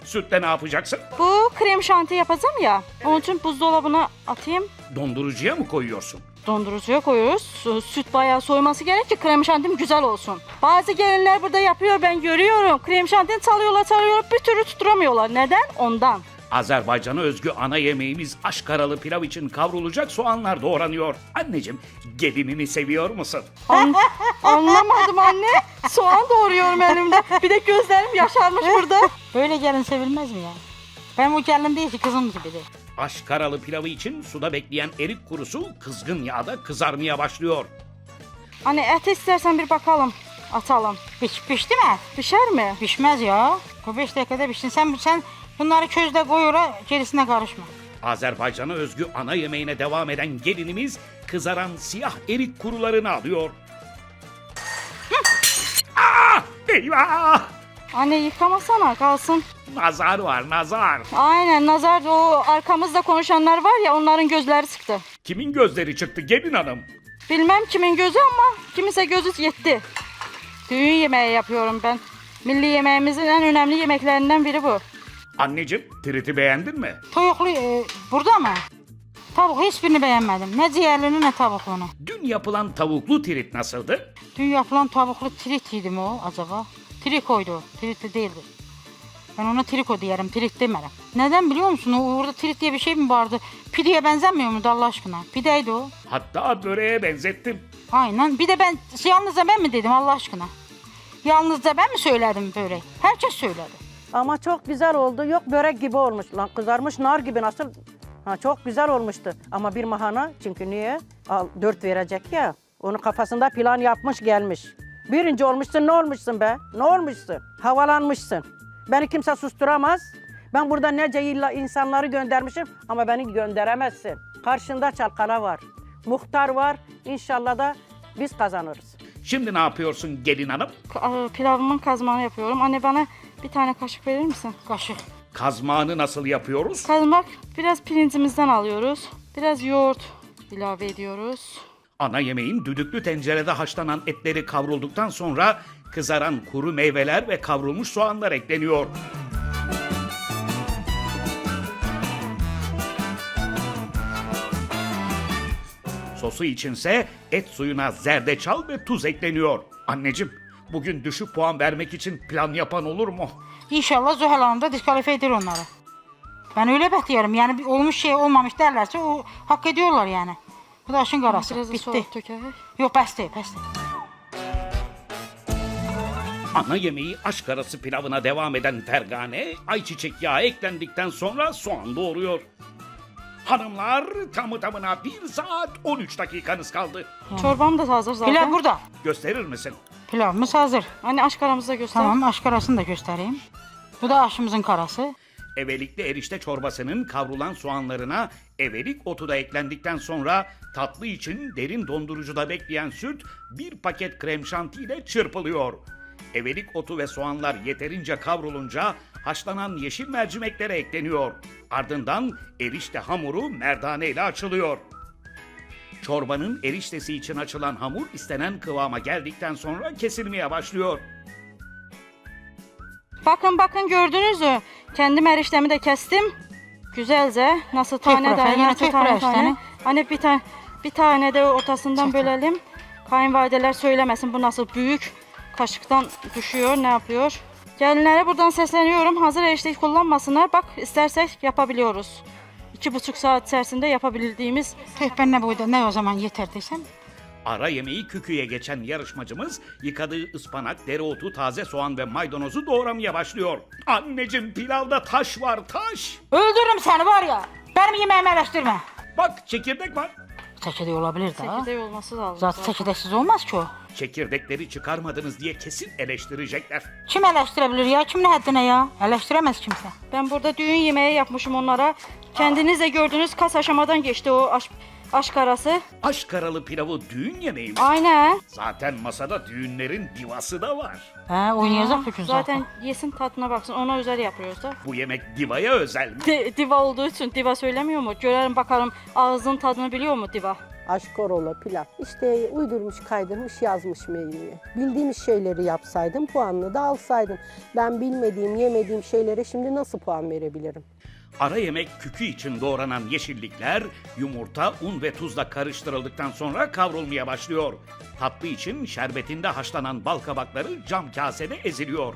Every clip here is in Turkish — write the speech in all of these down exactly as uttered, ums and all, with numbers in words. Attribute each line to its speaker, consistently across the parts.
Speaker 1: Sütle ne yapacaksın?
Speaker 2: Bu krem şanti yapacağım ya. Onun için buzdolabına atayım.
Speaker 1: Dondurucuya mı koyuyorsun?
Speaker 2: Dondurucuya koyuyoruz. Su- Süt bayağı soyması gerek ki krem şantim güzel olsun. Bazı gelinler burada yapıyor, ben görüyorum. Krem şantini çalıyorlar çalıyorlar bir türlü tutturamıyorlar. Neden? Ondan.
Speaker 1: Azerbaycan'a özgü ana yemeğimiz aşkaralı pilav için kavrulacak soğanlar doğranıyor. Anneciğim, gelinini seviyor musun?
Speaker 2: An- anlamadım anne. Soğan doğruyorum elimde. Bir de gözlerim yaşarmış burada.
Speaker 3: Böyle gelin sevilmez mi ya? Ben bu gelin değil ki kızım gibidir.
Speaker 1: Aşkaralı pilavı için suda bekleyen erik kurusu kızgın yağda kızarmaya başlıyor.
Speaker 2: Anne et istersen bir bakalım. Atalım.
Speaker 3: Piş, pişti mi?
Speaker 2: Pişer mi?
Speaker 3: Pişmez ya. Bu beş dakikada pişsin. Sen, sen bunları közde koy oraya, gerisine karışma.
Speaker 1: Azerbaycan'a özgü ana yemeğine devam eden gelinimiz kızaran siyah erik kurularını alıyor. Ah! Eyvah!
Speaker 2: Anne yıkamasana kalsın.
Speaker 1: Nazar var, nazar.
Speaker 2: Aynen nazar o arkamızda konuşanlar var ya onların gözleri sıktı.
Speaker 1: Kimin gözleri çıktı gelin hanım?
Speaker 2: Bilmem kimin gözü ama kimse gözü yetti. Düğün yemeği yapıyorum ben. Milli yemeğimizin en önemli yemeklerinden biri bu.
Speaker 1: Anneciğim, triti beğendin mi?
Speaker 3: Tavuklu e, burada mı? Tavuk hiçbirini beğenmedim. Ne ciğerlini ne tavuklunu.
Speaker 1: Dün yapılan tavuklu trit nasıldı?
Speaker 3: Dün yapılan tavuklu trit yedi mi o acaba? Trikoydu o. Tritli değildi. Ben ona triko diyerim, trit demerim. Neden biliyor musun? O orada trit diye bir şey mi vardı? Pideye benzemiyor muydu Allah aşkına? Pideydi o.
Speaker 1: Hatta böreğe benzettim.
Speaker 3: Aynen. Bir de ben yalnızca ben mi dedim Allah aşkına? Yalnızca ben mi söyledim böyle? Herkes söyledi.
Speaker 4: Ama çok güzel oldu. Yok börek gibi olmuş. Lan kızarmış nar gibi nasıl? Ha, çok güzel olmuştu. Ama bir mahana çünkü niye? Al, dört verecek ya. Onu kafasında plan yapmış gelmiş. Birinci olmuşsun ne olmuşsun be? Ne olmuşsun? Havalanmışsın. Beni kimse susturamaz. Ben burada nece illa insanları göndermişim ama beni gönderemezsin. Karşında çalkana var. Muhtar var. İnşallah da biz kazanırız.
Speaker 1: Şimdi ne yapıyorsun gelin hanım?
Speaker 2: Ka- Pilavımın kazmanı yapıyorum. Anne bana bir tane kaşık verir misin?
Speaker 3: Kaşık.
Speaker 1: Kazmağını nasıl yapıyoruz?
Speaker 2: Kazmak biraz pirincimizden alıyoruz. Biraz yoğurt ilave ediyoruz.
Speaker 1: Ana yemeğin düdüklü tencerede haşlanan etleri kavrulduktan sonra kızaran kuru meyveler ve kavrulmuş soğanlar ekleniyor. Sosu içinse et suyuna zerdeçal ve tuz ekleniyor. Anneciğim, bugün düşük puan vermek için plan yapan olur mu?
Speaker 3: İnşallah Zuhal Hanım da diskalifiye eder onları. Ben öyle bekliyorum. Yani bir olmuş şey olmamış derlerse o hak ediyorlar yani. Bu da aşın karası.
Speaker 2: Biraz da
Speaker 3: Bitti.
Speaker 2: soğuk dökelim.
Speaker 3: Yok pes değil, pes değil.
Speaker 1: Ana yemeği aşk arası pilavına devam eden Fergane, ayçiçek yağı eklendikten sonra soğan doğuruyor. Hanımlar, tamı tamına bir saat on üç dakikanız kaldı.
Speaker 2: Çorbam da hazır zaten.
Speaker 3: Pilav burada.
Speaker 1: Gösterir misin?
Speaker 3: Pilavımız hazır.
Speaker 2: Anne aşk aramızı da göster.
Speaker 3: Tamam, aşk arasını da göstereyim. Bu da aşımızın karası.
Speaker 1: Evelikli erişte çorbasının kavrulan soğanlarına evelik otu da eklendikten sonra tatlı için derin dondurucuda bekleyen süt bir paket krem şanti ile çırpılıyor. Evelik otu ve soğanlar yeterince kavrulunca haşlanan yeşil mercimeklere ekleniyor. Ardından erişte hamuru merdane ile açılıyor. Çorbanın eriştesi için açılan hamur istenen kıvama geldikten sonra kesilmeye başlıyor.
Speaker 2: Bakın bakın gördünüz mü? Kendim eriştemi de kestim. Güzelce. Nasıl tane
Speaker 3: bırak,
Speaker 2: tane,
Speaker 3: yine
Speaker 2: nasıl
Speaker 3: tek
Speaker 2: tane
Speaker 3: bırak
Speaker 2: tane.
Speaker 3: erişteni.
Speaker 2: Hani bir tane bir tane de ortasından
Speaker 3: Çek.
Speaker 2: bölelim. Kayınvalideler söylemesin bu nasıl büyük. Kaşıktan düşüyor ne yapıyor. Gelinlere buradan sesleniyorum. Hazır erişteyi kullanmasınlar. Bak istersek yapabiliyoruz. İki buçuk saat içerisinde yapabildiğimiz.
Speaker 3: Tüh ben ne boyda ne o zaman yeter desem.
Speaker 1: Ara yemeği küküye geçen yarışmacımız yıkadığı ıspanak, dereotu, taze soğan ve maydanozu doğramaya başlıyor. Anneciğim pilavda taş var taş.
Speaker 3: Öldürürüm seni var ya. Benim yemeğimi eleştirme.
Speaker 1: Bak çekirdek var.
Speaker 3: Çekirdeği olabilir daha.
Speaker 2: Çekirdeği olması lazım.
Speaker 3: Zaten çekirdeksiz olmaz ki o.
Speaker 1: Çekirdekleri çıkarmadınız diye kesin eleştirecekler.
Speaker 3: Kim eleştirebilir ya? Kim ne haddine ya? Eleştiremez kimse.
Speaker 2: Ben burada düğün yemeği yapmışım onlara. Kendiniz de gördünüz kaç aşamadan geçti o aş aşk arası.
Speaker 1: Aşk aralı pilavı düğün yemeği mi?
Speaker 2: Aynen.
Speaker 1: Zaten masada düğünlerin divası da var.
Speaker 3: He oynayacak bütün zaten.
Speaker 2: Zaten yesin tadına baksın. Ona özel yapıyoruz da.
Speaker 1: Bu yemek divaya özel mi?
Speaker 2: Di- diva olduğu için diva söylemiyor mu? Görelim bakalım ağzın tadını biliyor mu diva?
Speaker 5: Aşkorola, pilav. İşte uydurmuş, kaydırmış, yazmış menüye. Bildiğimiz şeyleri yapsaydım, puanını da alsaydım. Ben bilmediğim, yemediğim şeylere şimdi nasıl puan verebilirim?
Speaker 1: Ara yemek kükü için doğranan yeşillikler yumurta, un ve tuzla karıştırıldıktan sonra kavrulmaya başlıyor. Tatlı için şerbetinde haşlanan bal kabakları cam kasede eziliyor.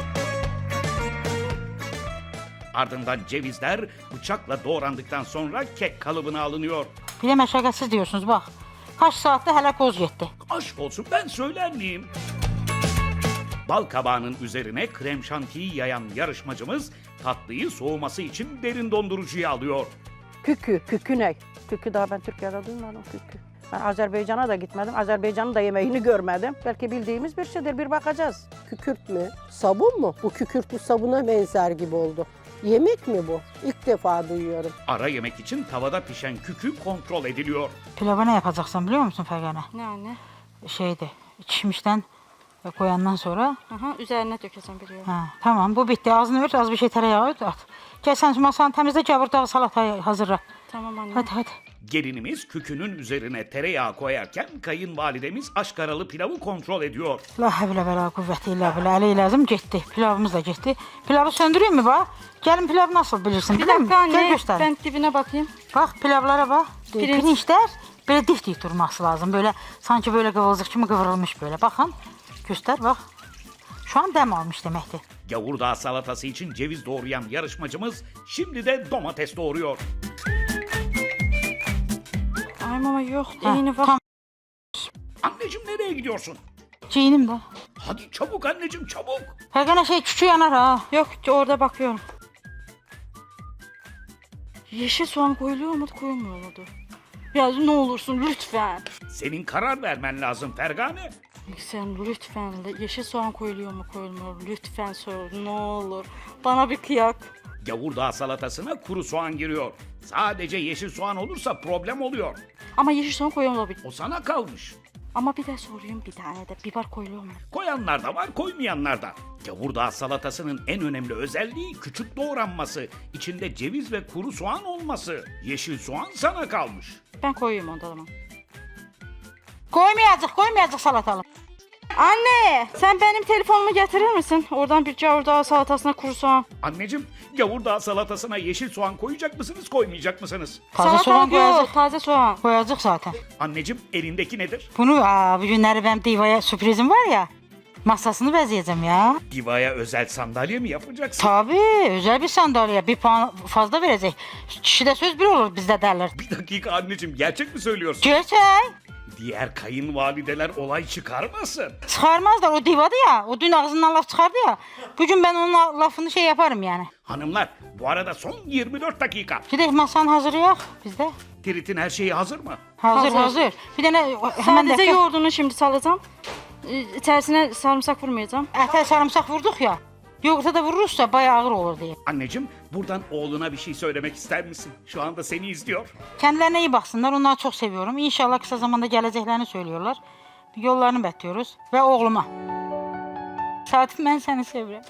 Speaker 1: Ardından cevizler bıçakla doğrandıktan sonra kek kalıbına alınıyor.
Speaker 3: Bir de meşakkatsiz diyorsunuz bak. Kaç saatte hele koz gitti.
Speaker 1: Aşk olsun, ben söyler miyim? Bal kabağının üzerine krem şantiyi yayan yarışmacımız tatlıyı soğuması için derin dondurucuya alıyor.
Speaker 4: Kükü, kükü ne? Kükü daha ben Türkiye'de duymadım kükü. Ben Azerbaycan'a da gitmedim. Azerbaycan'ın da yemeğini görmedim. Belki bildiğimiz bir şeydir, bir bakacağız.
Speaker 5: Kükürt mü? Sabun mu? Bu kükürtlü sabuna benzer gibi oldu. Yemek mi bu? İlk defa duyuyorum.
Speaker 1: Ara yemek için tavada pişen kükü kontrol ediliyor.
Speaker 3: Pilava ne yapacaksın biliyor musun Fergane?
Speaker 2: Ne anne?
Speaker 3: Şeydi, çişmişten koyandan sonra.
Speaker 2: Aha, üzerine dökeceğim biliyorum.
Speaker 3: Ha, tamam bu bitti. Ağzını ört, az bir şey tereyağı ört, at. Gel sen masanı temizle, gavur dağı salatayı hazırla.
Speaker 2: Tamam anne.
Speaker 3: Hadi hadi.
Speaker 1: Gelinimiz kükünün üzerine tereyağı koyarken kayınvalidemiz aşkaralı pilavı kontrol ediyor.
Speaker 3: La havle ve la kuvvete illa billah. Ali lazım gitti. Pilavımız da gitti. Pilavı söndüreyim mi bak? Gelin pilav nasıl bilirsin
Speaker 2: Bir
Speaker 3: biliyor musun?
Speaker 2: dakika
Speaker 3: Gel
Speaker 2: anne,
Speaker 3: göster.
Speaker 2: ben dibine bakayım.
Speaker 3: Bak pilavlara bak.
Speaker 2: Pirinç.
Speaker 3: Pirinçler böyle dik dik durması lazım. Böyle sanki böyle kıvılcık gibi kıvrılmış böyle. Bakın. Göster bak. Şu an dem almış demektir.
Speaker 1: Gavurdağ salatası için ceviz doğrayan yarışmacımız şimdi de domates doğuruyor.
Speaker 2: Ay mama yok,
Speaker 3: Ha,
Speaker 2: yeni var.
Speaker 3: tam
Speaker 1: Anneciğim, nereye gidiyorsun?
Speaker 3: ciğinim de.
Speaker 1: Hadi çabuk anneciğim, çabuk.
Speaker 3: Fergane şey küçüğü yanar ha.
Speaker 2: Yok, orada bakıyorum. Yeşil soğan koyuluyor mu, koyulmuyor mu? Ya ne olursun lütfen.
Speaker 1: Senin karar vermen lazım Fergane.
Speaker 2: Sen lütfen yeşil soğan koyuluyor mu, koyulmuyor mu? Lütfen sor, ne olur. Bana bir kıyak.
Speaker 1: Gavurdağ salatasına kuru soğan giriyor. Sadece yeşil soğan olursa problem oluyor.
Speaker 2: Ama yeşil soğan koyuyor olabilir.
Speaker 1: O sana kalmış.
Speaker 2: Ama bir de sorayım bir tane de biber koyuluyor mu?
Speaker 1: Koyanlar da var, koymayanlar da. Gavurdağ salatasının en önemli özelliği küçük doğranması, içinde ceviz ve kuru soğan olması. Yeşil soğan sana kalmış.
Speaker 2: Ben koyayım onda zaman.
Speaker 3: Koymayacak, koymayacak salatalım.
Speaker 2: Anne, sen benim telefonumu getirir misin? Oradan bir gavurdağ salatasına kuru soğan.
Speaker 1: Anneciğim, gavurdağ salatasına yeşil soğan koyacak mısınız, koymayacak mısınız?
Speaker 3: Taze soğan
Speaker 2: Salatalık yok,
Speaker 3: koyacak.
Speaker 2: taze soğan.
Speaker 3: Koyacak zaten.
Speaker 1: Anneciğim, elindeki nedir?
Speaker 3: Bunu aa, bugünleri benim divaya sürprizim var ya. Masasını bezeyeceğim ya.
Speaker 1: Divaya özel sandalye mi yapacaksın?
Speaker 3: Tabii özel bir sandalye. Bir puan fazla verecek. Kişide söz bir olur bizde derler.
Speaker 1: Bir dakika anneciğim, gerçek mi söylüyorsun?
Speaker 3: Gerçek.
Speaker 1: Diğer kayınvalideler olay çıkarmasın.
Speaker 3: Çıkarmazlar, o divadı ya. O dün ağzından laf çıkardı ya. Bugün ben onun la- lafını şey yaparım yani.
Speaker 1: Hanımlar, bu arada son yirmi dört dakika.
Speaker 3: Gidelim masanın hazırı yok bizde.
Speaker 1: Trit'in her şeyi hazır mı?
Speaker 3: Hazır
Speaker 2: Hazır.
Speaker 3: hazır. Bir tane hemen
Speaker 2: Sadece
Speaker 3: de
Speaker 2: yoğurdunu şimdi salacağım. Ee, İçerisine sarımsak vurmayacağım.
Speaker 3: ete sarımsak vurduk ya. Yoğurta da vurursa bayağı ağır olur diye.
Speaker 1: Anneciğim, buradan oğluna bir şey söylemek ister misin? Şu anda seni izliyor.
Speaker 3: Kendilerine iyi baksınlar. Onları çok seviyorum. İnşallah kısa zamanda geleceklerini söylüyorlar. Yollarını bekliyoruz. Ve oğluma. Saatim, ben seni seviyorum.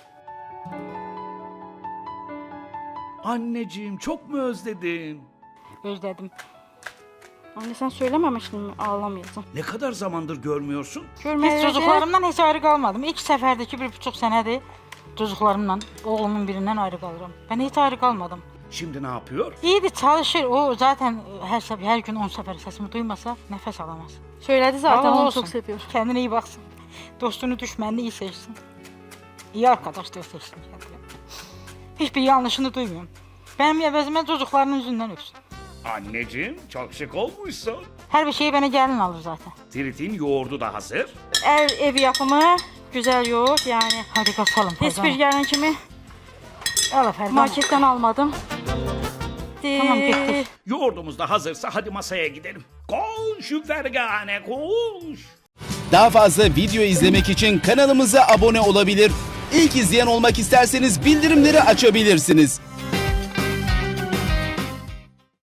Speaker 1: Anneciğim, çok mu özledin?
Speaker 3: Özledim.
Speaker 2: Anne sen söylememiştin mi ağlamayacağım?
Speaker 1: Ne kadar zamandır görmüyorsun?
Speaker 2: Görmeye
Speaker 3: Hiç çocuklarımdan hiç ayrı kalmadım. İlk seferdeki bir buçuk senedir çocuklarımla, oğlumun birinden ayrı kalırım. Ben hiç ayrı kalmadım.
Speaker 1: Şimdi ne yapıyor?
Speaker 3: İyiydi, çalışır. O zaten her sefer, her gün on sefer sesimi duymasa nefes alamaz.
Speaker 2: Söyledi zaten,
Speaker 3: Allah
Speaker 2: onu
Speaker 3: olsun.
Speaker 2: çok seviyor.
Speaker 3: Kendine iyi baksın. Dostunu, düşmanını iyi seçsin. İyi arkadaşlar seçsin kendine. Hiçbir yanlışını duymuyorum. Benim evezime çocuklarının yüzünden öpsün.
Speaker 1: Anneciğim, çok şık olmuşsun.
Speaker 3: Her bir şeyi bana gelin alır zaten.
Speaker 1: Trit'in yoğurdu da hazır.
Speaker 2: Ev, ev yapımı güzel yoğurt yani.
Speaker 3: Hadi kaçalım.
Speaker 2: Hiçbir gelin kimi
Speaker 3: Al efendim.
Speaker 2: marketten almadım.
Speaker 3: Tamam,
Speaker 2: Ee,
Speaker 3: bitti.
Speaker 1: Yoğurdumuz da hazırsa hadi masaya gidelim. Koş Fergane, koş.
Speaker 6: Daha fazla video izlemek için kanalımıza abone olabilir. İlk izleyen olmak isterseniz bildirimleri açabilirsiniz.